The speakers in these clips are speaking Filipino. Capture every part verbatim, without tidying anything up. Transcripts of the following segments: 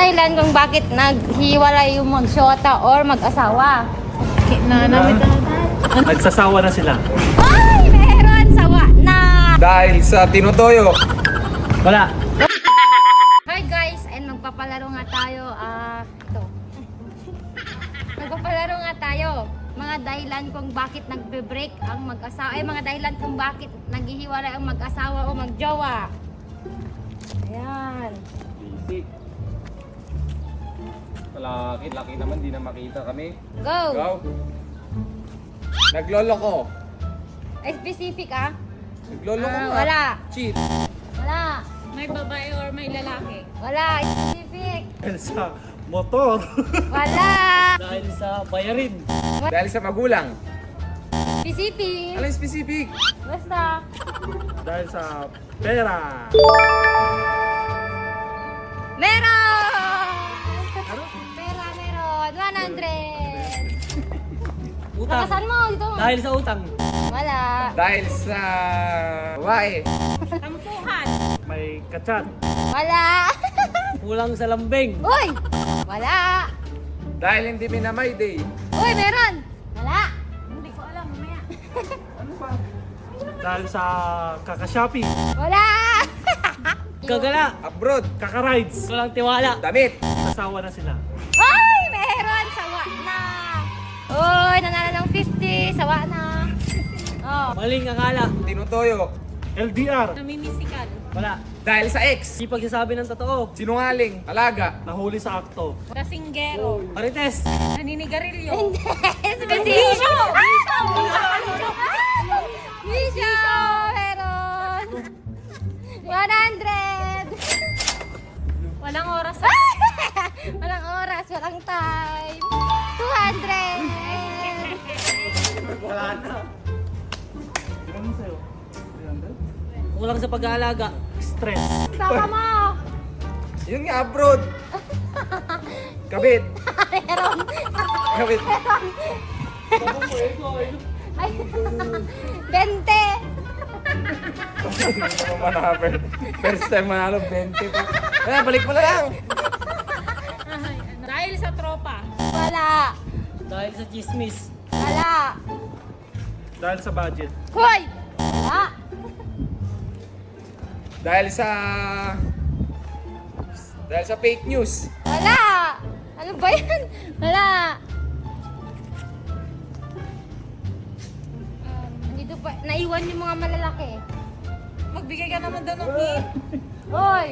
dahilan kung bakit naghiwalay yung magsyota or mag-asawa? Na, namit na. Nagsasawa na sila. Ay! Meron! Sawa na! Dahil sa tinutoyo. Wala. Hi guys! And magpapalaro nga tayo. Ah, ito. Magpapalaro nga tayo. Mga dahilan kung bakit nagbe-break ang mag-asawa. Ay, mga dahilan kung bakit naghihiwalay ang mag-asawa o magjowa. Ayan. Basic. Laki, laki naman, di na makita kami. Go! Go! Naglolo ko. Ay, specific ah. Naglolo ko Ah, nga. wala. Cheat. Wala. May babae or may lalaki? Wala. Specific. Dahil sa motor. Wala. Dahil sa bayarin. Dahil sa magulang. Specific. Ano yung specific? Basta. Dahil sa pera. Meron! Pera meron. one hundred. Utang. Nakasan mo dito. Dahil sa utang. Wala. Dahil sa babae. Tampuhan. May kachat. Wala. Kulang sa lambing. Uy! Wala. Dahil hindi minamay day. Uy, meron. Wala. Hindi ko alam, mamaya. Dahil sa kaka-shopping. Wala. Gagala. Abroad. Kaka-rides. Walang tiwala. Damit. Nagsasawa na sila. Ay, meron. Sawa na. Uy, nanalo ng fifty. Sawa na. Oh. Maling akala. Tinutoyo. L D R. Namimisikal. Wala. Dahil sa ex. Di pagsasabi ng totoo. Sinungaling. Alaga. Nahuli sa akto. Kasinggero. Marites. Naninigarilyo. Hindi. Specific. Misha! Meron. one hundred. Walang oras. Walang oras, walang time. two hundred. Wala na. Ilan mo sa'yo? three hundred? Kulang sa pag-aalaga. Stress. Saka mo. Yun nga, abroad. Kabit. Meron. Kabit. Ay, twenty. Hindi naman manapin. First time manalo, twenty po. Kaya, balik mo na lang. Ay, ano. Dahil sa tropa. Wala. Dahil sa chismis. Wala. Dahil sa budget. Hoy! Wala. Dahil sa... Dahil sa fake news. Wala. Ano ba yan? Wala. Um, Nandito pa. Naiwan yung mga malalaki. Magbigay ka naman daw ng hint. Hoy!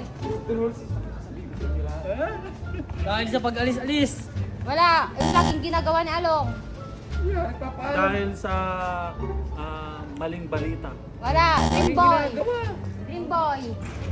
Dahil sa pag-alis-alis. Wala. Yung laging ginagawa ni Along. Dahil sa ah, maling balita. Wala. Dream boy. Dream boy.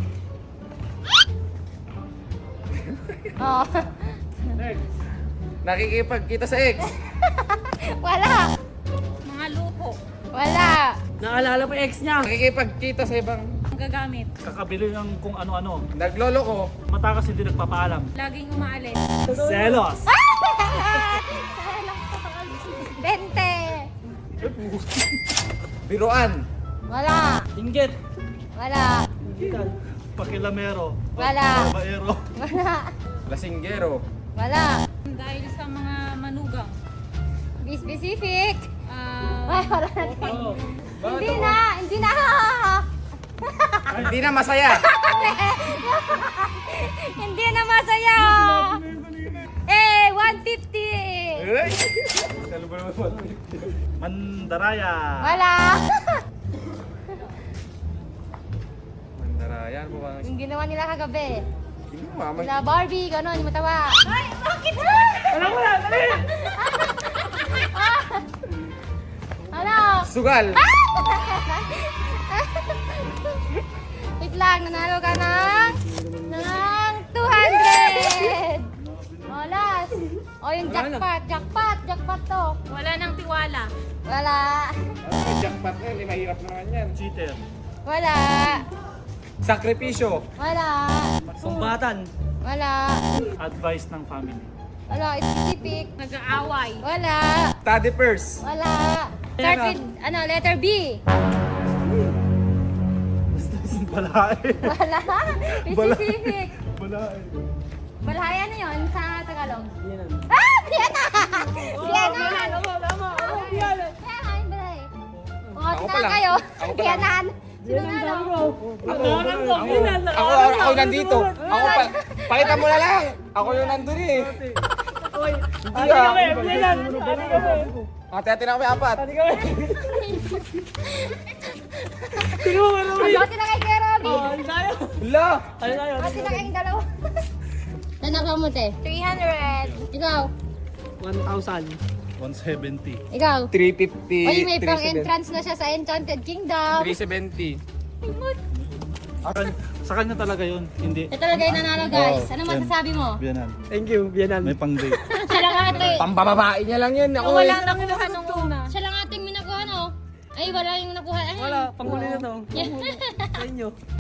Oh. Nakikipagkita sa ex. Wala. Mga luho. Wala. Naalala pa yung ex niya. Nakikipagkita sa ibang... Ang gagamit. Kakabili ng kung ano-ano. Naglolo ko. Matakas hindi nagpapaalam. Laging umaalis. Selos. Bente. Biruan. Wala. Inggit. Wala. Pakilamero. Wala. Babaero. Wala. Lasinggero. Wala. Dahil sa mga manugang. Be specific. Ah, Ay, wala na. Oh. Hindi na. Hindi na. Hindi na masaya. Hindi na masaya. Eh, one fifty. Ay! Mandaraya. Wala. Mandarayan po bang... Yung ginawa nila kagabi. Hindi mo mamay. Sila Barbie, gano'n, yung matawa. Ay, bakit? Wala mo na. Dali. Ano? Sugal. Wait lang, nanalo ka ng ng two hundred. Oh, last. Oh, yung jackpot, jackpot, jackpot to. wala nang tiwala. Wala. Ano, jackpot na yun. Mahirap naman yan. Cheater. Wala. Sakripisyo. Wala. Sumbatan. Wala. Advice ng family. Wala, specific. Nag-aaway. Wala. Study purse. Wala. Start with, ano, letter B. Balae. Wala. Specific. Balae. Balaya na lang. kayo. Ako pa lang. Biyanan. Sino nanalo? Ako, ako, ako, ako nandito. Ako pa, pakita mo na lang. Ako yung nandun eh. Hindi ah. Hati-hati na kami apat. Pagkati na kay Kuya Robby. Hala! Pagkati na kayong dalawa. Nanakaw mo, te? three hundred. Ikaw? one thousand. one seventy. Ikaw? three fifty. Oy, may pang entrance na siya sa Enchanted Kingdom. three seventy. Sa kanya talaga yun, hindi. Ito talaga yung nanalo, guys. Oo, Ano yan. masasabi mo? Biyanan. Thank you, Biyanan. May pang date. Siya lang ate. Pambababae niya lang yun. Ako eh. Wala nakuha nung una. Siya lang ating minakuha, no? Ay, wala yung nakuha. Ay. Wala, panghuli na to. Yeah. Sa inyo.